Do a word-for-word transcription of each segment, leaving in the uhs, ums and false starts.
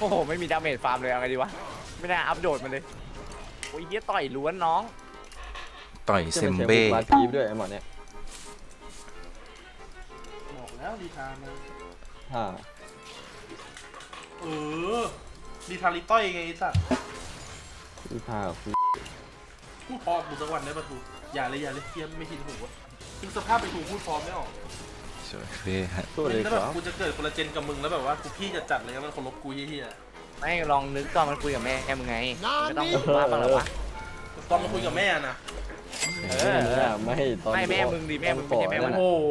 อ้โหไม่มีดาเมจฟาร์มเลยเอาไงดีวะไม่น่าอัพโดดมันเลยโอ้ยเฮียต่อยล้วนน้องต่อยเซมเบ้มาคีฟด้วยไอ้หมอเนี่ยบอกแล้วดีทานะฮ่าเออดีทาลิต้อยไงไอ้สัตว์พี่พาคุยพูดพอกูสักวันได้ปะทูอย่าเลยอย่าเลยเทียมไม่คิดหูอ่ะคือสภาพไปถูกพูดพร้อมไม่ออกสวยเฟ่ฮะสู้เลยแล้วคแบรับบ กูจะเกิดคนละเจนกับมึงแล้วแบบว่ากูพี่จะจัดเลยมันเคารพกูเฮียไม่ลองนึกตอนมันคุยกับแม่แกมึงไงไม่ต้องมาบ้างหรอวะๆตอนมาคุยกับแม่นะเอเอออไม่ตอนไม่แม่มึงดิแม่มึงไม่ใช่แม่มันโอ้โห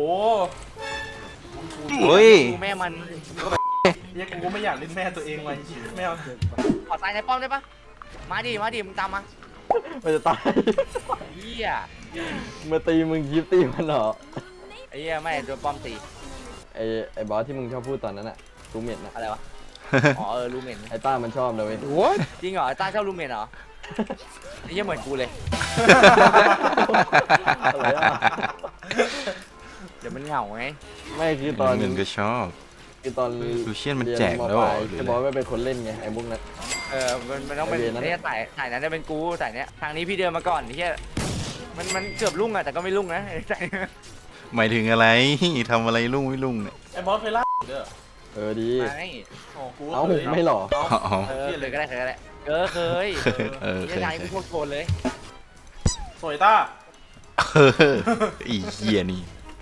เฮ้ยดูแม่มันเฮียกูก็ไม่อยากเล่นแม่ตัวเองไว้แม่เอาขอตายในป้อมได้ปะมาดิมาดิมึงตามมามันจะตายเฮียมาตีมึงคีฟตีมันเหรอไอ้เฮียไม่โดนป้อมตีไอ้ไอ้บอสที่มึงชอบพูดตอนนั้นอะรูเมทนะอะไรวะอ๋อเออรูเมนไอ้ต้ามันชอบนะเว้ยจริงเหรอไอ้ต้าชอบรูเมนเหรอไอ้เฮียเหมือนกูเลยอะไรอะเดี๋ยวมันเหงาไงไม่คือตอนเงินก็ชอบคือตอนลูเชียนมันแจกแล้วเหรอหรือไอ้อะไรบอสไม่เป็นคนเล่นไงไอ้มุกนั้นเออมันมันต้องเป็นไอ้เวรนั้นเนี่ยสายสายนั้นจะเป็นกูสายเนี้ยทางนี้พี่เดินมาก่อนไอ้เฮียมันมันเกือบลุ่งอะแต่ก็ไม่ลุ่งนะไอ้สายหมายถึงอะไรทำอะไรลุ่งไม่ลุ่งเนี่ยไอ้บอสเคยล่าเด้อเออดีไม่อ๋อกูเอ้าเคยไม่หรออ๋อเออเคยก็ได้เคยก็ได้เออเคยเออเฮีเคยยนายมึงพวกโกนเลยสวยต้าเอออีเหี้ยนี่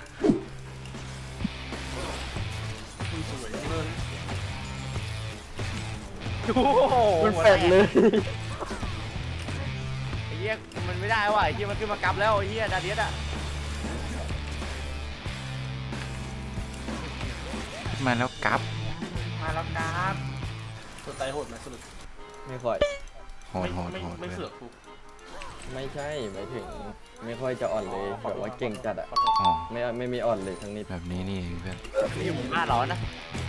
มึงสวยเงินโอ้โหมันแปลกเลยไอ้เฮียมันไม่ได้ว่ะไอ้เฮียมันขึ้นมากลับแล้วไอ้เฮียดาเดียสอะมาแล้วกลับมาแล้วครับสดใจโหดไหมสรุปไม่ค่อยโหดโหดไม่โหดไม่เลยเสือกกูไม่ใช่หมายถึงไม่ค่อยจะอ่อนเลยแบบว่าเก่งจัดอะอ๋อไม่ไม่มีอ่อนเลยทั้งนี้แบบนี้นี่เองเพื่อนนี่อยู่หมู่บ้านเหรอนะ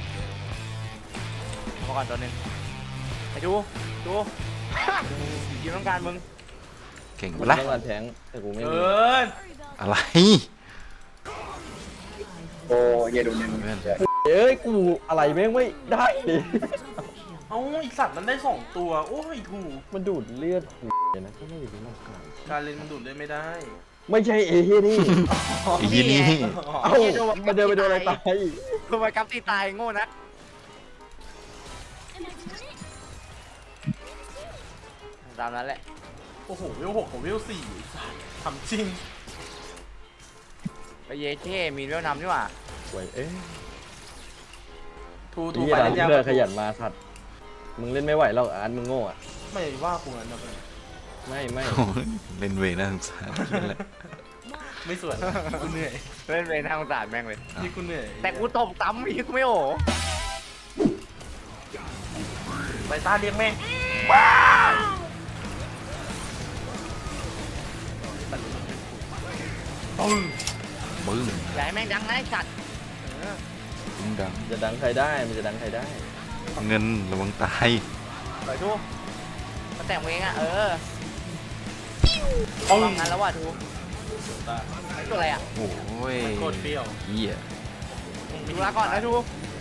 พอก่อนตัวหนึงไอ้ดูดูยิงต้องการมึงเก่งกูปะล่ะต้องการแทงแต่กูไม่เอมีออะไรโอ้ยดูนึงเพื่อนเอ้ยกูอะไรแม่งไม่ได้ดิเอ้าไอสัตว์มันได้สองตัวโอ้ยถูกมันดูดเลือดกูนะก็ไม่รู้มันกานการเล่นมันดูดได้ไม่ได้ไม่ใช่เอเฮียนี่ไอ้ยี่นี่เอ้ามันเดินไปโดนอะไรตายทำไมกับตีตายโง่นะตามนั้นแหละโอ้โหเวลหกกับเวลสี่ทำจริงไปเยเช่มีเรื่องนำนี่หว่าสวยเอ้ยทูทูนี่ไปเราเล่นยากเลือกขยันมาสัตว์มึงเล่นไม่ไหวหรอกอาร์ตมึงโง่อะไม่ว่ากูงั้นนะเพื่อนไม่ไม่โอ้ยเล่นเวน่าสงสารนั่นแหละไม่สวยกูเหนื่อยเล่นเป็นทางสารแม่งเลยนี่กูเหนื่อยแต่กูตบตั้มอีกกูไม่โอ้ไปตาเลี้ยงแม่งบึ้งอย่าให้แม่งดังนะไอ้สัตว์บึ้งดังจะดังใครได้มันจะดังใครได้เงินระวังตายเปิดดูมาแต่งเองอ่ะเออเอาทำงานแล้วว่ะทูไอ้ตัวอะไรอ่ะโอ้ยโคตรเปรี้ยวเหี้ยดูลาก่อนนะทู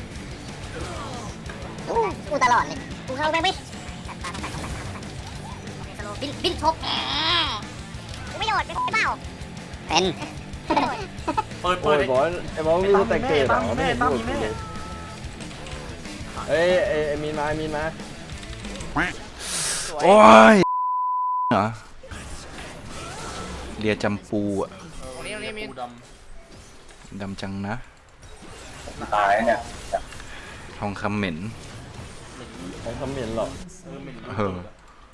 กูตลอดเลย กูเข้าไปไม่ตัดตาตัดตาตัดตาสโลบินบินชกกูไม่โดดเป็นเปล่า เป็นเปิดโอ้เปิดยบอสไอ้บอสมีสแต็กเกตเหรอไม่เห็นพูดเลยเอ้ยไอ้ไอ้มีนมามีนมาสวยโอ้ยเหรอเรียจำปูอะตรงนี้ตรงนี้มีปูดดำจังนะตายเนี่ยทองคำเหม็นของคำเหม็นหรอกำเออเหม็นเออ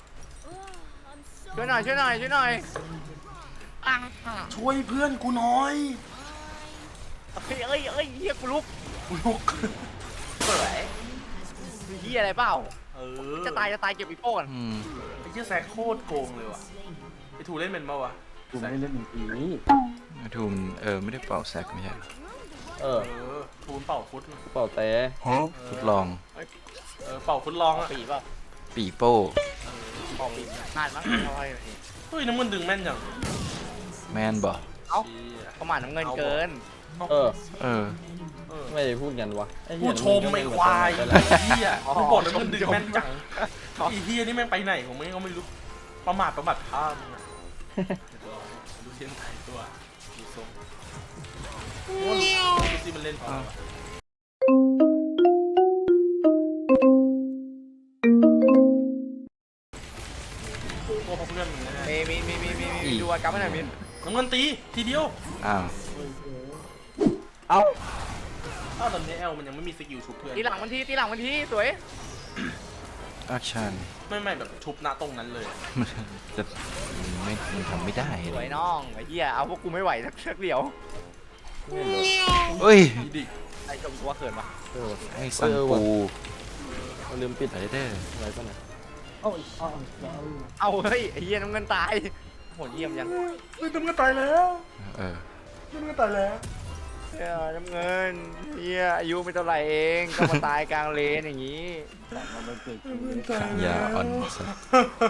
ช่วยหน่อยช่วยหน่อยช่วยหน่อยอ่ะช่วยเพื่อนกูหน่อยเฮ้ยเอ้ยเอ้ยเฮียกูลุกกูลุกสวยมีเฮียอะไรเปล่าเออจะตายจะตายเก็บอีโป้ก่อนอืมไอ้เหี้ยแซกโคตรโกงเลยว่ะไอ้ทูเล่นเป็นปะวะกูไม่ได้เล่นดนตรีทูมเออไม่ได้เป่าแซกไม่ใช่เออเออทูนเป่าฟุตกูเป่าแต่ทดลองเออเป่าฟุตลองอะปีเปล่าปีโป้ออกปีพลาดมั้งเอาไว้เฮ้ยน้ำมันดึงแม่นจังแมนบ่เอ้าเชี่ยประมาณน้ำเงินเกินเออเออเออไม่ได้พูดกันวะไอ้เหี้กูยชมไม่ควายไปไอ้แล้วเหี้ยกูบอกแล้วมันดึงแม่นจังไอ้เหี้ยนี่แม่งไปไหนของมึงก็ไม่รู้ประมาทประมาทท่ามึงอะดูเชียนไทยตัวดูทรงว่าดูสิมันเล่นพอตัวพวกเพื่อนมึงแน่มีมีมีมีมีมีดูอาการไม่หน่อยมินๆน้ำเงินตีทีเดียวอ้าวเอ้าอ้าวตอนนี้แอลมันยังไม่มีสกิลชุบเพื่อนตีหลังมันทีตีหลังมันทีสวยแอคชั่นไม่ไม่แบบชุบณตรงนั้นเลยจะไม่มันทำไม่ได้สเลวยยน้องไอ้เหี้ยเอาพวกกูไม่ไหวสักสักเดียวเอ้ยดีดิไอ้ชมกูว่าเขินปะเออไอ้สังปูเราลืมปิดไรเด้ออะไรป่ะเนี่ยเอาเฮ้ยไอ้เหี้ยน้ำเงินตายโหดเยี่ยมยังเฮ้ยน้ำเงินตายแล้วเออน้ำเงินตายแล้วเหี้ยน้ำเงินเหี้ยอายุไม่เท่าไหร่เองก็มาตายกลางเลนอย่างงี้อย่าอ่อนสัก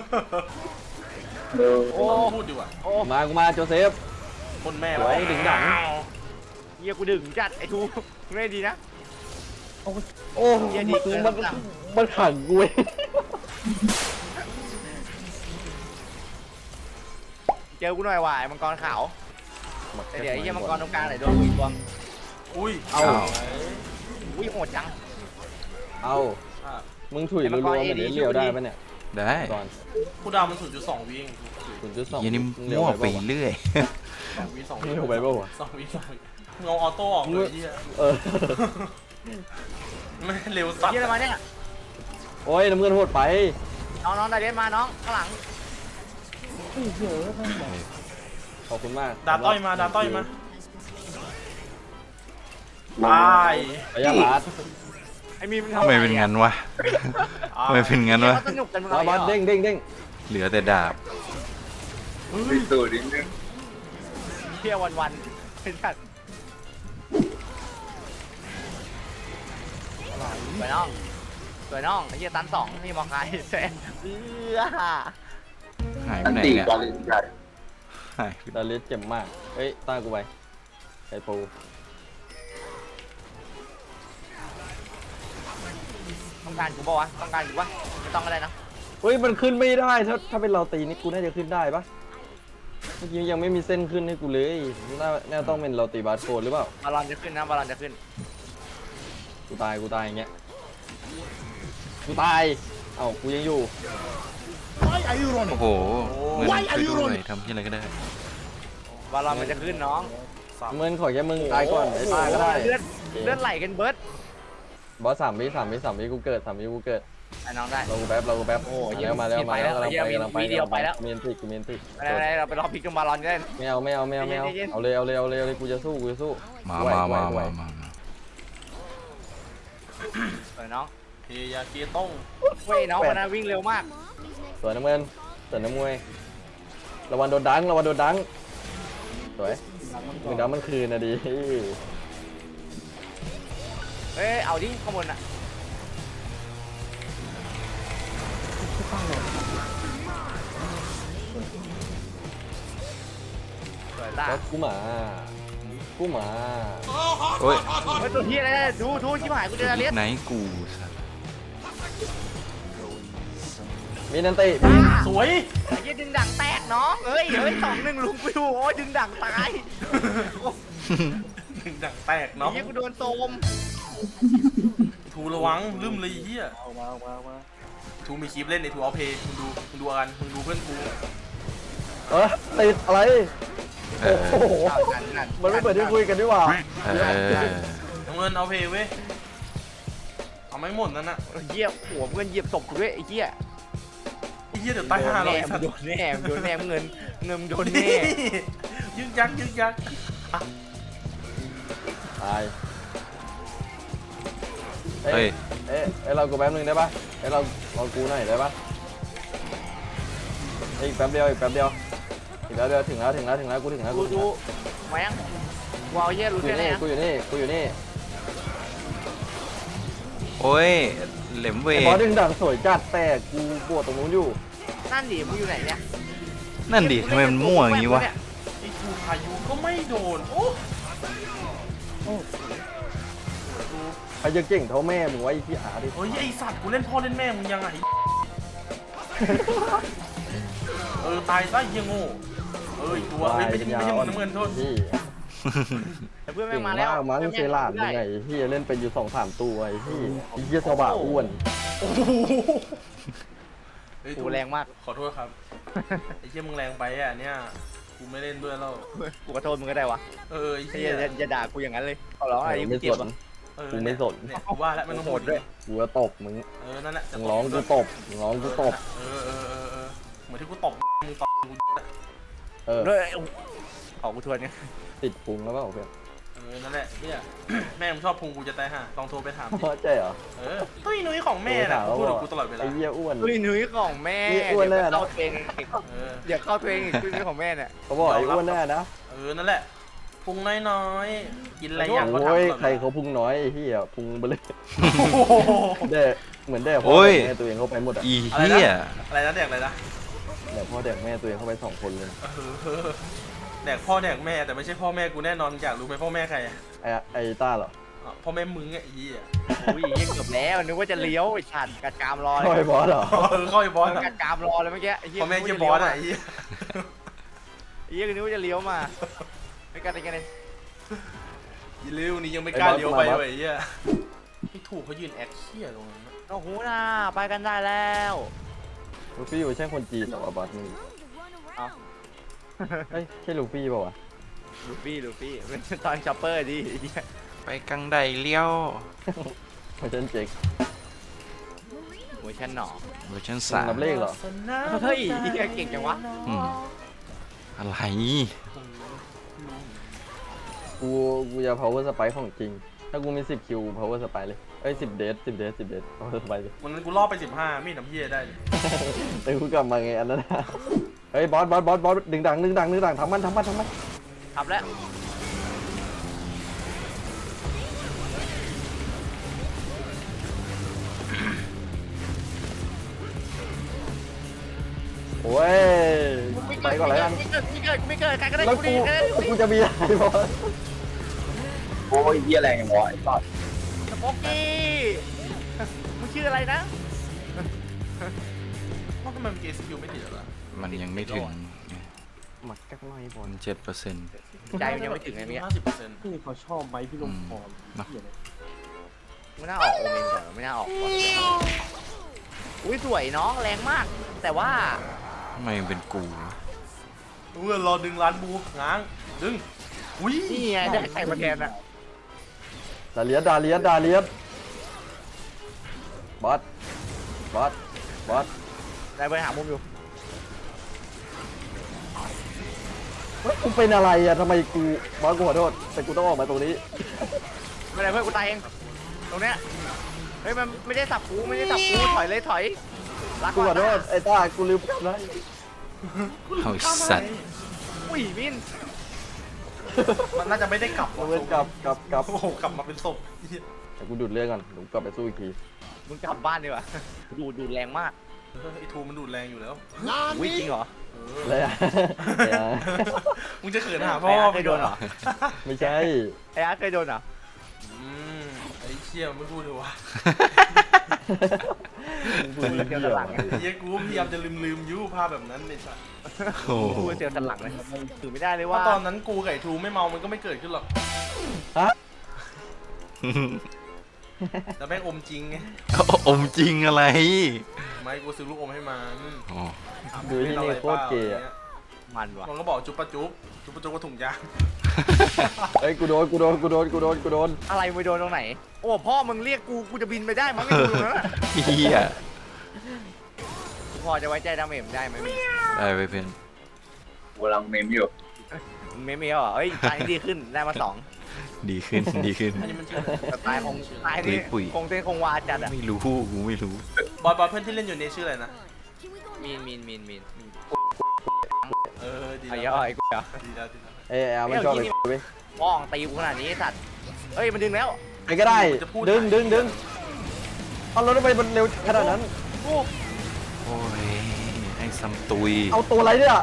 เออโอ้พูดดีกว่าโอ้มากูมาโจเซฟคนแม่ไว้ดึงดังเหี้ยกูดึงจัดไอ้ทูไม่ดีนะโอ้เหี้ยดีเกินมันมันขังกูเว้ยเจอกูหน่อยว่ะไอ้มังกรขาวแต่เดี๋ยวไอ้เหี้ยมังกรตรงกลางไหนโดนกูอีกตัวอุ้ยเอาอุ้ยโหดจังเอาอ่ะมึงถุยรัวๆเหมือนเลี้ยวได้ปะเนี่ยได้ก่อนคูดาวมันศูนย์จุดสองวิเองศูนย์จุดสองยันนี่มั่วไปเรื่อยสองวิสองมึวิงเอาไปป่าวะสองวิสองวิมึงเอาออโต้ออกเลยเหี้ยเออไม่เร็วสัตว์เหี้ยอะไรมาเนี่ยโอ้ยน้ำเงินโหดไปน้องน้องไดเรนมาน้องข้างหลังขอบคุณมากดาต้อยมาดาต้อยมาตายไปยาลาดไอ้มีมันๆทำทำไมเป็นงั้นวะทำไมเป็นงั้นวะเขาสนุกกันมึงมาเอาบอลเหรอเด้งเด้งเด้งเหลือแต่ดาบวิสูนิดนึงเที่ยววันวันๆเป็นสัตว์สวยน้องสวยน้องไอ้เหี้ยตันสองนี่มองใครแซนเอื้อหายไปอันไหนตีเนี่ยกาลินใหญ่หายไปดาลิสเจ็บมากเฮ้ยตากูไปไอ้ปูต้องการกูปะวะต้องการกูปะไม่ต้องก็ได้นะเฮ้ยมันขึ้นไม่ได้ถ้าถ้าเป็นเราตีนี่กูน่าจะขึ้นได้ปะเมื่อกี้ยังไม่มีเส้นขึ้นให้กูเลยน่าน่าต้องเป็นเราตีบาสโกนหรือเปล่าบอลลอนจะขึ้นนะบอลลอนจะขึ้นกูตายกูตายอย่างเงี้ยกูตายเอ้ากูยังอยู่โอ้โหเงินช่วยด้วยทำที่อะไรก็ได้บอลลอนมันจะขึ้นน้องเงินขอแค่มึงตายก่อนไอ้ตายก็ได้เลือดเลือดไหลกันเบิร์ดบอสสามวิสามวิสามวิกูเกิดสามวิกูเกิดไอ้น้องได้เรากูแป๊บเรากูแป๊บโอ้ยมาแล้วมาแล้วมีมาแล้วไปแล้วกำลังไปมีกำลังไปมีเดียวไปแล้วเมียนติกูเมียนติอะไรๆเราไปรอพิกกับบอลลอนกันไม่เอาไม่เอาไม่เอาไม่เอาเย็นๆเอาเลยเอาเลยเอาเลยเอาเลยกูจะสู้กูจะสู้มาไหวมาไหวมาไหวมามาสวยน้องเฮยาเกต้งเว้ยน้องคนนั้นวิ่งเร็วมากสวยน้ำเงินสวยน้ำมวยระวังโดนดังระวังโดนดังสวยมึงดังมันคืนนะดิเอ้ยเอาดิข้างบนอ่ะสวยตาแล้วกูหมากูหมาโอ้ยเฮ้ยตัวเฮียอะไรเนี่ยดูดูชิบหายกูเจอเลียสไหนกูสัตว์มีนันติสวยไอ้เหี้ยดึงดังแตกน้องเอ้ยเฮ้ยสองหนึ่งลุงกูดูโอ้ยดึงดังตายถึงดังแตกไอ้เนาะเหี้ยกูโดนโซมทูระวังลืมเลยเฮียทูมีคลิปเล่นในทูเอาเพย์มึงดูมึงดูกันมึงดูเพื่อนกูเออติดอะไรเออโอ้โหอ้าวนั่นนั่นมันไม่เปิดที่คุยกันดีกว่าเออน้ำเงินเอาเพย์เว้ยเอาไม่หมดนั่นน่ะเหยียบหัวเงินเหยียบศพกูด้วยไอ้เหี้ยไอ้เฮียเดี๋ยวตายห่าเราแน่ไอ้สัตว์โดนแน่โดนแน่เงินเงินโดนแน่ยึกยักยึกยักตายเฮ้ยเอ๊ะเอ้ยเรากูแป๊บนึงได้ปะเอ้ยเราเรากูหน่อยได้ปะเอ้ยอีกแป๊บเดียวอีกแป๊บเดียวอีกแป๊บเดียวถึงแล้วถึงแล้วถึงแล้วกูถึงแล้วดูกูถึงดูแล้วแม่งวาวเหี้ยรู้กูอแค่ยู่ไหนนี่อะกูอยู่นี่กูอยู่นี่โอ้ยเหล็มเวไอ้บอสดึงดังสวยจัดแต่กูปวดตรงนู้นอยู่นั่นดิมึงอยู่ไหนเนี่ยนั่นดิทำไมมันมั่วอย่างงี้วะไอ้ทูพายุก็ไม่โดนโอ้ใครจะเก่งเท่าแม่มึงวะไอ้พี่อาร์ดิเฮ้ยไอสัตว์กูเล่นพ่อเล่นแม่มึงยังไงเออตายซะเหี้ยโง่เอ้ยตัวเฮ้ยไม่ใช่ไม่ใช่มึงน้ำเงินโทษพี่แต่เพื่อนเก่ไม่งมามาแล้วกมั้งเซราดยังไงพี่เล่นเป็นอยู่สองสามตัวไอ้พี่ไอ้เหี้ยสว่าอ้วนโอ้โหเฮ้ยกูแรงมากขอโทษครับไอ้เหี้ยมึงแรงไปอ่ะเนี่ยกูไม่เล่นด้วยแล้วกูขอโทษมึงก็ได้วะเออไอ้ไอ้เหี้เหี้ยยอย่าด่ากูอย่างนั้นเลยขอร้องอะไรไม่กูสเจ็บนอ่ะเออกูไม่สนเนี่ยกูว่าแล้วไม่ต้องโหดด้วยกูจะตบมึงเออนั่นแหละจะมึงร้องกูตบมึงร้องกูตบเออเออเออเออเหมือนที่กูตบมึงตบกูเออด้วยขอกูทวนเนี่ยติดพุงแล้วเปล่าเพื่อนเออนั่นแหละเนี่ยแม่มึงชอบพุงกูจะตายห่าลองโทรไปถามดิใช่เหรอเออตุ้ยนุ้ยของแม่น่ะกูพูดกับกูตลอดเวลาไอ้เหี้ยอ้วนเฮ้ยนุ้ยของแม่นี่อ้วนแน่เดี๋ยวนะเข้าตัวเองอีกเออเดี๋ยวเข้าตัวเองอีกนุ้ยของแม่เนี่ยเขาบอกไอ้อ้วนแน่นะเออนั่นแหละพุงน้อยๆกินอะไรอย่างก็ทำโอ้ยตลอดใครเขาพุงน้อยไอ้เหี้ยพุงเบลอโอ้โหแด่เหมือนแด่พ่อโอ้ยแม่ตัวเองเข้าไปหมดอ่ะอีอะไรเหี้ยนะอะไรนะแดกอะไรนะแด่พ่อแด่แม่ตัวเองเข้าไปสองคนเลยเออแดกพ่อแดกแม่แต่ไม่ใช่พ่อแม่กูแน่นอนอยากรู้ไหมพ่อแม่ใครอะไอ้ไอ้ต้าเหรออ๋อพ่อแม่มึงไงไอ้เหี้ยอุ้ยยังเกือบแล้วนึกว่าจะเลี้ยวไอ้ฉันกัดกรามรอพ่อเลไอ้ยบอสเหรอเออเข้าไอ้บอสอะกัดกรามรอเลยเมื่อกี้ไอ้เหี้ยพ่อแม่เหี้ยบอสอะไอ้เหี้ยไอ้เหี้ยนึกว่าจะเลี้ยวมาไม่กัดอะไรกันเลยอีเร็วนี่ยังไม่กล้าเลี้ยวไปเลยไอ้เหี้ยพี่ถูกเขายืนแอคเชี่ยตรงนั้นนะโอ้โหน่าไปกันได้แล้วลูฟี่อยู่ใช่คนจีนเหรอวะบอสมึงเอาเฮ้ยใช่ลูฟี่เปล่าวะลูฟี่ลูฟี่เป็นตอนช็อปเปอร์ดิไอ้เหี้ยไปกังไดเลี้ยวไม่ใช่เจ๊กเวอร์ชันหนอเวอร์ชันมึงสามนับเลขเหรอเฮ้ยเหี้ยเก่งจังวะอืมอะไรกูกูจะ power spike ของจริง ถ้ากูมีสิบคิว power spike เลยเอ้ยสิบเดทสิบเดทสิบเดท power spike เลยวันนั้นกูล่อไปสิบห้ามีดน้ำเหี้ยได้เลยแต่กูกลับมาไงอันนั้นนะเฮ้ยบอสบอสบอสบอสดึงดังดึงดังดึงดังทำมันทำมันทำมันขับแล้วโอ้ยไปก่อนเลยกันไม่เกิดไม่เกิดไม่เกิดใครก็ได้แล้วกูกูดิใครก็ได้กูดิกูจะมีอะไรบอสโอ้ยเหี้ยแรงอย่างวะไอ้สัสสปอกกี้มึงชื่ออะไรนะว่าทำไมมันเกสคิวไม่ติดเหรอมันยังไม่ถึงหมักกักน้อยบอมัลนเจ็ดเปอร์เซ็นต์ใจมันยังไม่ถึงไงเมียห้าสิบเปอร์เซ็นต์พี่เขาชอบไหมพี่ลมพรเนาะไม่น่าออกโอเมนก่อนไม่น่าออกก่อนอุ้ยสวยน้องแรงมาก แต่ว่าทำไมมันเป็นกูวะเออรอดึงร้านบูง้างดึงอุ้ยนี่ไงได้ใครมาแทนอะดาเลียสดาเลียสดาเลียสบอสบอสบอสได้ไปหามุมอยู่เฮ้ยกูเป็นอะไรอะทำไมกูบอสกูขอโทษแต่กูต้องออกมาตรงนี้ไม่ได้เพื่อนกูตายเองตรงเนี้ยเฮ้ยมันไม่ได้สับกูไม่ได้สับกูถอยเลยถอยรักกูขอโทษไอ้ต้ากูลืมนะเอาไอ้สัตว์อุ้ยมินมันน่าจะไม่ได้กลับเอาเว้นกลับกลับกลับโอ้โหกลับมาเป็นศพเหี้ยแต่กูดูดเลือดก่อนเดี๋ยวกูกลับไปสู้อีกทีมึงกลับบ้านดีกว่าดูดูแรงมากเออไอ้ทูมันดูดแรงอยู่แล้วอุ้ยจริงเหรอเออะไรออะอะไรอะมึงจะเขินหาพ่อไอ้อาร์ตเคยโดนเหรอไม่ใช่ไอ้อาร์ตเคยโดนเหรออืมไอ้เชี่ยไม่พูดเลยวะมึงพูดเรื่องอะไรไอ้เหี้ยกูพยายามจะลืมลืมๆยูภาพแบบนั้นเลยสัสโอ้โหพูดเซลล์สันหลังเลยถือไม่ได้เลยถ้าว่าตอนนั้นกูกับไอ้ทูไม่เมามันก็ไม่เกิดขึ้นหรอกฮะแต่แม่งอมจริงไงอมจริงอะไรไม่กูซื้อลูกอมให้มันอ๋อดูที่นี่โคตรเกย์อะมันว่ะมันก็บอกจุ๊บปะจุ๊บจุ๊บปะจุ๊บก็ถุงยางเฮ้ยกูโดนกูโดนกูโดนกูโดนกูโดนอะไรมึงโดนตรงไหนโอ้พ่อมึงเรียกกูกูจะบินไปได้มั้งไม่ดูตรงนั้นอะเฮียกูพอจะไว้ใจดาเมจได้ไหมมึงได้ไปเพื่อนกูกำลังเมมอยู่มึงไม่มีเหรอเฮ้ยตายดีขึ้นได้มาสองดีขึ้นดีขึ้นอันนี้มันชื่ออะไรแต่ตายคงตายนี่ปุ๋ยคงเต้นคงวาจัดอ่ะไม่รู้กูไม่รู้บอยบอยเพื่อนที่เล่นอยู่ในชื่ออะไรนะมีนมีนมีนมีนเออดีไอ้แล้เหี้ยว ไอ้กูเหรอดีแล้วดีแล้วเอ้ยเอามันชอบเลยเว้ยป้องตีกูขนาดนี้ไอ้สัตว์เฮ้ยมันดึงแล้วไปก็ได้ดึงดึงดึงเอารถไปมันเร็วขนาดนั้นโอ้โอ้ยไอ้ซัมตุยเอาตัวอะไรเนี่ย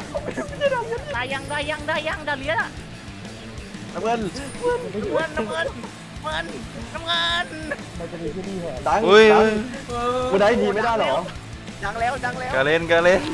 ได้ยังได้ยังได้ยังดาเลียนอ่ะน้ำเงินน้ำเงินน้ำเงินำเงินน้ำเงินดังอุ้ยดังอุ้ยกูได้ทีไม่ได้เหรอดังแล้วดังแล้วกาเล่นกาเล่น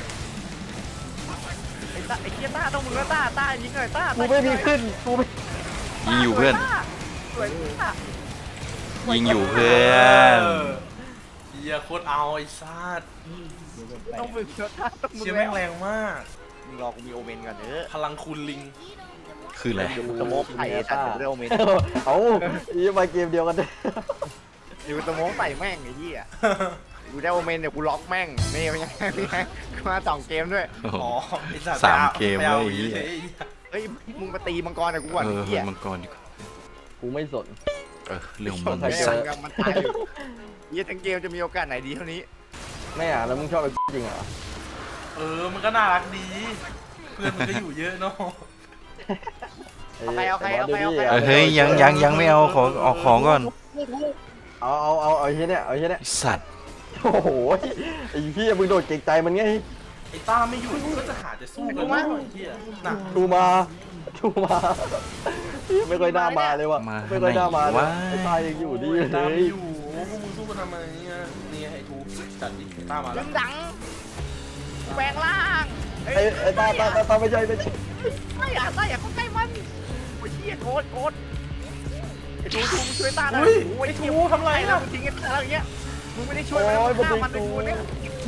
ไอ้ต้าไอ้เคียต้าต้องมึงแล้วต้าต้ายิงหน่อยต้ากูไม่มีขึ้นกูไม่ยิงอยู่เพื่อนสวยต้ายิงอยู่เพื่อนเฮียโคตรเอาไอ้สัตว์ต้องมึงแล้วต้าต้องมึงเชี่ยแล้แม่งวแรงมากมึงรอกูมีโอเมนก่อนเถอะพลังคูณลิงคืออะไรเดี๋ยวกูสโมกใส่ไอ้สัตว์เดี๋ยวกูได้โอเมนเอาอีมาเกมเดียวกันเด้เดี๋ยวกูสโมกใส่แม่งไอ้ยี่อ่ะกูได้โอเมนเดี๋ยวกูล็อกแม่งนี่ไม่ใช่ไม่ใช่กูมาสองเกมด้วยโอ้โหอ๋อไอ้สัตว์สามไปอเกมไปอาเว้ยไอ้เหี้ยเฉยเฮ้ยมึงมาตีมังกรกับกูก่อนเอไอ้อเหี้ยมังกรดีกว่ากูไม่สนเออเรื่องของมันแม่สัตงว์กับมันตายอยู่เหี้ยทั้งเกมจะมีโอกาสไหนดีเท่านี้ไม่อ่ะแล้วมึงชอบไอ้จริงเหรอเออมันก็น่ารักดี เพื่อนมันก็อยู่เยอะเนาะไอ้เอาใครเอาใครไอ้บสเอาใครดูดิเออเฮ้ยยังยังยังไม่เอาขอออกของก่อนเอาเอาเอาเอาไอ้เฮียเนี่ยเอาไอ้เฮียเนี่ยไอ้สัตว์โอ้โหไอ้พี่มึงโดดเก่งใจมันไงไอ้ต้าไม่อยู่มันก็จะหาแต่สู้กันนะไอ้เฮียน่ะดูมาดูมาไม่ค่อยน่ามาเลยว่ะมาไม่ค่อยน่ามาเลยว่าไอ้ตายยังอยู่ดีโอ้ยเลตามยอยู่พวกมึงสู้กันทำไมเนี่ยนี่ไอ้ทูจัดดิไอ้ต้ามาแล้ดึวงดังแปลงร่างไอ้ไอ้ตาตาตาตาไม่ใช่ไม่ใช่ไม่อยากได้อยากเข้าใกล้มันโอ้ยเหี้ยโคตรโคตรไอ้ทูทูมึงช่วยตาหน่อยอุ้ยโอ้ยไอ้ไอ้ทูทูทำไรไอ้เราอ่ะทิ้งกันอะไรอย่างเงี้ยมึงไม่ได้ช่วยมันโอ้ยฆ่ามัมันนในเป็นกูเนี่ย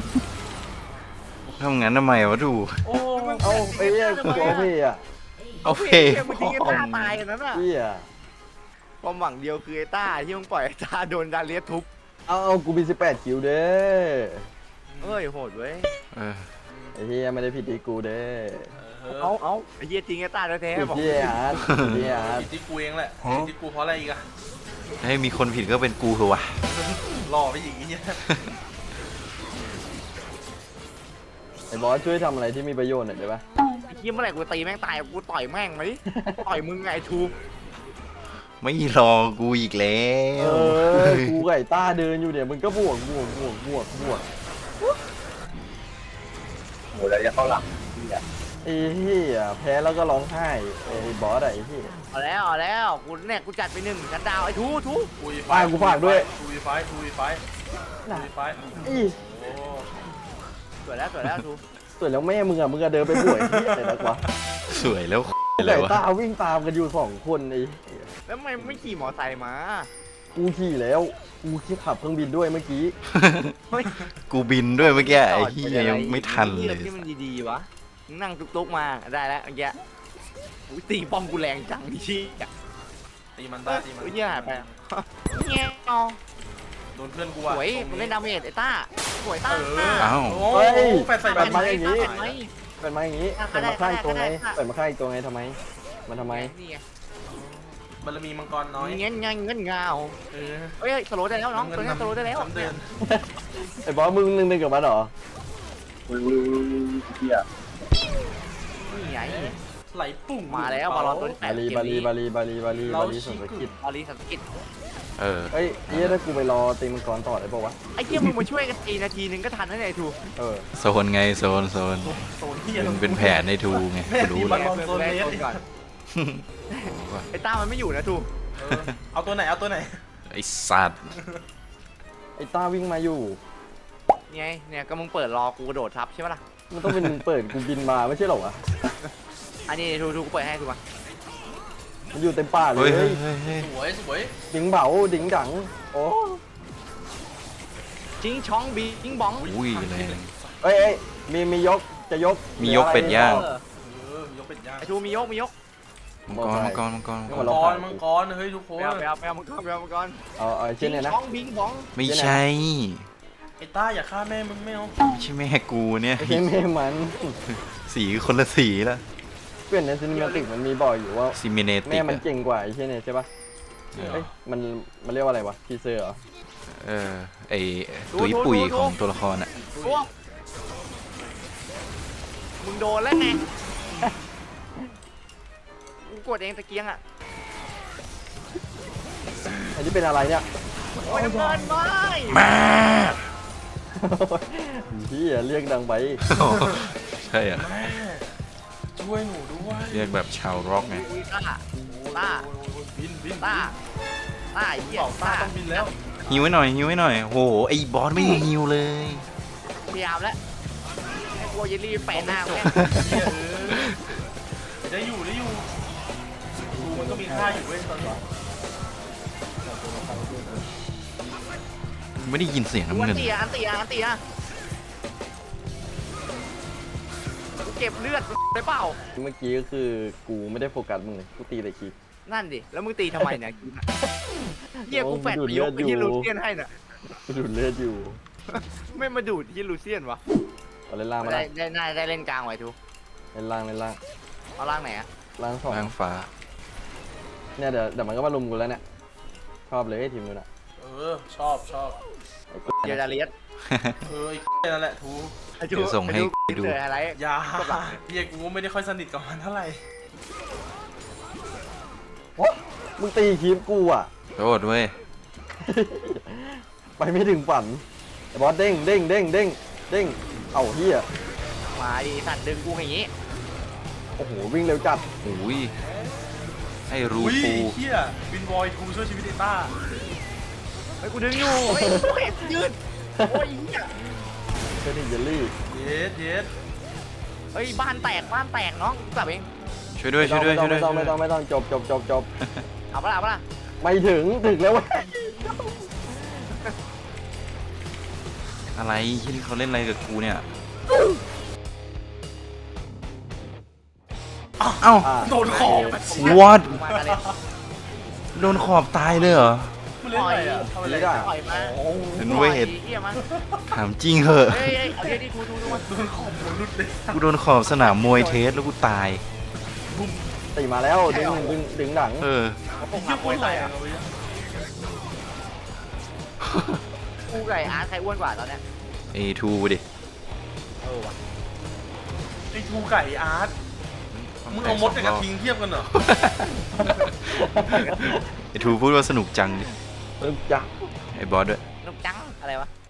ทำงั้นทำไมวะดูโอ้เอาไอ้เหี้ยกูเอาพี่อ่ะเอาเพเหี้ยมึงทิ้งกันฆ่าตายกันนั้นอ่ะพี่อ่ะความหวังเดียวคือไอ้ต้าที่มึงปล่อยไอ้ต้าโดนดาเลียสทุบเอาเอากูมีสิบแปดคิวเด้อเอ้ยโหดเว้ยเออไอ้เฮียไม่ได้ผิดที่กูเด้อเอาเอาไอ้เหี้ยทิ้งไอ้ต้าแท้ผิดๆบอกที่อาร์ตผิดที่อาร์ตผิดที่กูเองแหละผิดที่กูเพราะอะไรอีกอะให้มีคนผิดก็เป็นกูเถอะวะหล่อไปอีกอย่างเงี้ยไอ้บอสช่วยทำอะไรที่มีประโยชน์หน่อยได้ปะไอ้เหี้ยเมื่อไหร่กูตีแม่งตายกูต่อยแม่งมาดิต่อยมึงไงไอ้ทูไม่รอกูอีกแล้เอวอกูไก่ต้าเดินอยู่เนี่ยมึงก็บวกบวกบวกบวกบวกโอ้ยแล้วจะเข้าหลังพี่อะไอ้เหี้ยแพ้แล้วก็ร้องไห้ไอ้บอสอะไอ้เหี้ยเอาแล้วเอาแล้วกูเนี่ยกูจัดไปหนึ่งกันดาวไอ้ทูทูทูวีไฟฝากกูฝากด้วยทูวีไฟทูวีไฟทูวีไฟอีโอ้สวยแล้วสวยแล้วทูส่วนแล้วแม่มึงอะมึงอะเดินไปบวกไอ้เหี้ยอะไรนักวะสวยแล้วกูอะไรไก่วะต้าวิ่งตามกันอยู่สองคนไอ้เหี้ยแล้วทำไมไม่ขี่มอไซค์มากูขี่แล้วกูขี่ขับเครื่องบินด้วยเมื่อกี้กูบินด้วยเมื่อกี้ไอ้เหี้ยยังไม่ทันเลยที่มันดีๆวะมึงนั่งตุ๊กๆมาได้แล้วเมื่อกี้อุ้ยตีป้อมกูแรงจังชี้ตีมันต้าตีมันอุ้ยเหี้ยหายไปอะเงี้ยเอาโดนเพื่อนกูสอะวยตรงมันเล่นดาเมจไอ้ต้าสวยเอต้าออ้าวโอ้เฮ้ยแปดใส่แปดมาอย่างงี้นี้ไหมเปิดมาอย่างงี้เปิดมาฆ่าอีกตัวไงเปิดมาฆ่าอีกตัวไงทำไม มันทำไมนี่ไงบารมีมังกรน้อยเงี้ยเงี้ยเงี้ยเงาเออเฮ้ยสโลว์ได้แล้วน้องตัวนี้สโลว์ได้แล้วจำเดินไอ้บอสมึงหนึ่งหนึ่งกับมันเหรออุ้ยอุ้ยอุ้ยอุ้ยพี่อะนี่ไงไหลปุ่งมาแล้วบอลลอนตัวที่แปบาดลีเกบาม ลีนี้บาลีบาลีบาลีเราบาลีชิสังกกิจบอลลีสังกิตเออเฮ้ยเฮียถ้ากูไปรอตีมังกรต่อได้ปะวะไอ้เหี้ยมึงมาช่วยกันตีนาทีนึงก็ทันแล้วไอ้ทูเออโซนไงโซนโซนโซนที่มันเป็นแผนในทูไงแม่กูตีรู้บอแล้ลวลอนโซนเลสก่อนไอ้ต้ามันไม่อยู่นะทูเออเอาตัวไหนเอาตัวไหนไอ้สัตว์ไอ้ต้าวิ่งมาอยู่ไงเนี่ยก็มึงเปิดรอกูกระโดดทับใช่ไหมล่ะมันต้องเป็นมึงเปิดกูบินมาไม่ใช่เหรอวะอันนี้ทูทูกูเปิดให้ทูมามันอยู่เต็มป่าเลเฮ้ยยเฮ้ยเฮ้ยเฮ้ยสวยสวยดิงเบาดิงดังโอ้จิงช้องบิงบองอุ้ยแรงเอ้ยเอ้ยมีมียกจะยกมียกเป็ดย่างเออเออยกเป็นย่างไอ้ทูมียกมียกมังกรมังกรมังกรมังกมัรงกรมังกรเฮ้ยทุกคนไปเอาไปเอาไปเอามังกรไปเอามังกรเอาเอาไอ้จิเช่นงเนี่ยนะช้องบิงบองไม่ใช่ไอ้ต้าอย่าฆ่าแม่มึงไม่เอาไม่ใช่แม่กูเนี่ยไอ้เช่นแม่มันสีคนละสีละเพื่อนในซินิมาติกมันมีบอกอยู่ว่าซิมิเนติแม่กมันอะเก่งกว่าไอ้เช่นเนี่ยใช่ปะเอ้ยมันมันเรียกว่าอะไรวะทีเซอร์เหรอเออไอตุยปุ๋ยของตัวละครอ่ะพวกมึงโดนแล้วไงกูกดเองตะเกียงอ่ะอันนี้เป็นอะไรเนี่ยโอ้ยน้ำเงินไม่มาพี่เรียกดังไปใช่อ่ะแม่ช่วยหนูด้วยเรียกแบบชาวร็อกไงอุ้ยต้าโอ้ต้าบินบินต้าต้าไอ้เหี้ยเป่าต้าต้าต้องบินแล้วฮิวไว้หน่อยฮิวไว้หน่อยโหไอ้บอสไม่ฮิวเลยพยายามแล้วไอ้กลัวเยลลี่แปะหน้าแม่งเหี้ยเออได้อยู่ได้อยู่ดูมันก็มีค่าอยู่เว้ยตอนนี้ไม่ได้ยินเสียงอัน้ำเงินนตีอ่ะอันตีอ่ะอันตีอ่ะกูเก็บเลือดได้เปล่าเมื่อกี้ก็คือกูไม่ได้โฟกัสมึงเลยกูตีแต่คลิปนั่นดิแล้วมึงตีทำไมเนี่ยเหี้ยกูแฟดไปยกไอ้เหี้ยลูเซียนให้น่ะกูดูดเลือดอยู่ไม่มาดูดที่ลูเซียนวะเอาเล่นล่างมาได้ละได้น่าได้เล่นกลางไว้ทูเล่นล่างเล่นล่างเอาล่างไหนอะล่างสองล่างฟ้าเนี่ยเดี๋ยวเดี๋ยวมันก็มาลุมกูแล้วเนี่ยชอบเลยทีมนู้นอ่ะเออชอบชอบไอ้กูเดี๋ยวจะเลียสเออไอ้เหี้ยนั่นแหละทูเดี๋ยวส่งให้ดูเจออะไรอยาเฮียกูไม่ได้ค่อยสนิทกับมันเท่าไหร่โอ๊ะมึงตีคลิปกูอ่ะโทษเว้ยไปไม่ถึงฝันไอ้บอสเด้งเด้งเด้งเด้งเด้งเอ้าเฮียมาดิสัตว์ดึงกูอย่างงี้โอ้โหวิ่งเร็วจัดโอ้ยไอ้รูอุ้ยปูเฮียบินบอยทูช่วยชีวิตไอ้ต้าเฮ้ยกูดึงอยู่เฮ้ยกูเห็นยืดโอ้ยเหี้ยเป็นเยลลี่เยสเยสเฮ้ยบ้านแตกบ้านแตกน้องกลับเองช่วยด้วยไม่ช่ต้วอย งด้วยไม่ช่ต้วอย งด้วยไม่ต้องไม่ต้องไม่ต้องจบจบจบจบเอาปะล่ะเอาปะล่ะไม่ถึงถึงแล้วเว้ยอะไรที่เขาเล่นอะไรกับกูเนี่ยเอ้าอ่ะโดนขอบ what มากันเลยโดนขอบตายเลยเหรอมันเล่นอะไรอ่ะทำอะไรไม่ได้ได้ปล่อยมาเห็นเวทเหี้ยมาถามจริงเหอะเฮ้ยเฮ้ยเอาเดี๋ยวดิกูดูดูมาโดนขอบหัวรุดเลยกูโดนขอบสนามมวยเทสแล้วกูตายตีมาแล้วดึงดึงดึงหนังเออผมเฮียโคตรแรงอะเว้ยกูไก่อาร์ตใครอ้วนกว่าตอนเนี้ยเอทูดิเออว่ะไอ้ทูไก่อาร์ตมึงเอามดกับกระทิงเทียบกันเหรอไอทูพูดว่าสนุกจังดิดึงจักไอบอสด้วยนุกจังอะไรวะ